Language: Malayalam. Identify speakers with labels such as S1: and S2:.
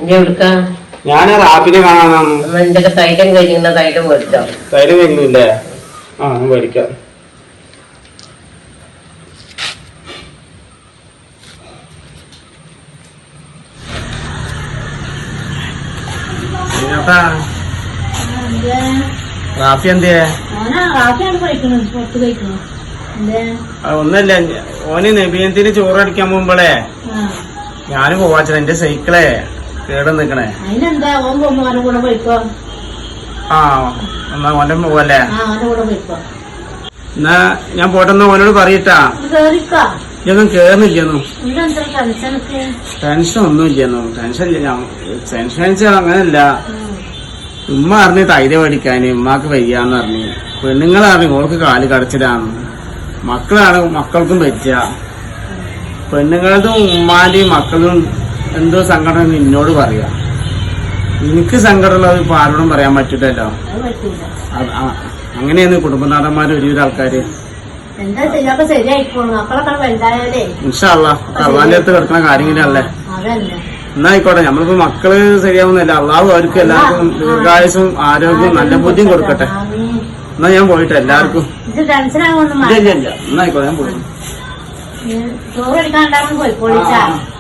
S1: ഞാൻ റാപ്പിനെ കാണാനാണ്.
S2: തൈലം കഴിഞ്ഞ തൈലം മേടിച്ചോ?
S1: തൈലം കഴിഞ്ഞില്ലേ? ആ മേടിക്കാം. റാഫി എന്തിയെ? ഒന്നല്ല, ഓന് നബിയത്തിന് ചോറടിക്കാൻ പോകുമ്പോളേ ഞാന് പോവാച്ച എന്റെ സൈക്കിളെ കേട് നിക്കണേ. ആ എന്നാ ഓന്റെ പോവല്ലേ? എന്നാ ഞാൻ പോട്ടെന്ന് ഓനോട് പറയട്ടാ. ഇതൊന്നും കേറുന്നില്ലെന്നു. ടെൻഷൻ ഒന്നും ഇല്ലെന്നു. ടെൻഷൻ അങ്ങനല്ല. ഉമ്മ അറിഞ്ഞ് തൈര് മേടിക്കാന് ഉമ്മാക്ക് വയ്യാന്ന് പറഞ്ഞു. പെണ്ണുങ്ങളറിഞ്ഞ് ഓൾക്ക് കാല് കടച്ചിലാണ്. മക്കളാണ് മക്കൾക്കും പറ്റുക. പെണ്ണുങ്ങളതും ഉമ്മാന്റെയും മക്കളും എന്തോ സങ്കടം എന്നോട് പറയാ. എനിക്ക് സങ്കടമുള്ളത് ഇപ്പൊ ആരോടും പറയാൻ പറ്റില്ലല്ലോ. അങ്ങനെയാണ് കുടുംബനാഥന്മാര് ഒരുവിധ ആൾക്കാര്. ഇൻഷാ അല്ലാഹ് അള്ളാന്റെ അടുത്ത് കിടക്കുന്ന കാര്യങ്ങളല്ലേ. എന്നാ ആയിക്കോട്ടെ, നമ്മളിപ്പോ മക്കള് ശരിയാവുന്നില്ല. അള്ളാഹു അവർക്ക് എല്ലാവർക്കും ദീർഘായുസും ആരോഗ്യവും നല്ല ബുദ്ധിയും കൊടുക്കട്ടെ. എന്നാ ഞാൻ പോയിട്ട് എല്ലാവർക്കും ഇല്ല. എന്നാ ആയിക്കോട്ടെ, ഞാൻ പോയി.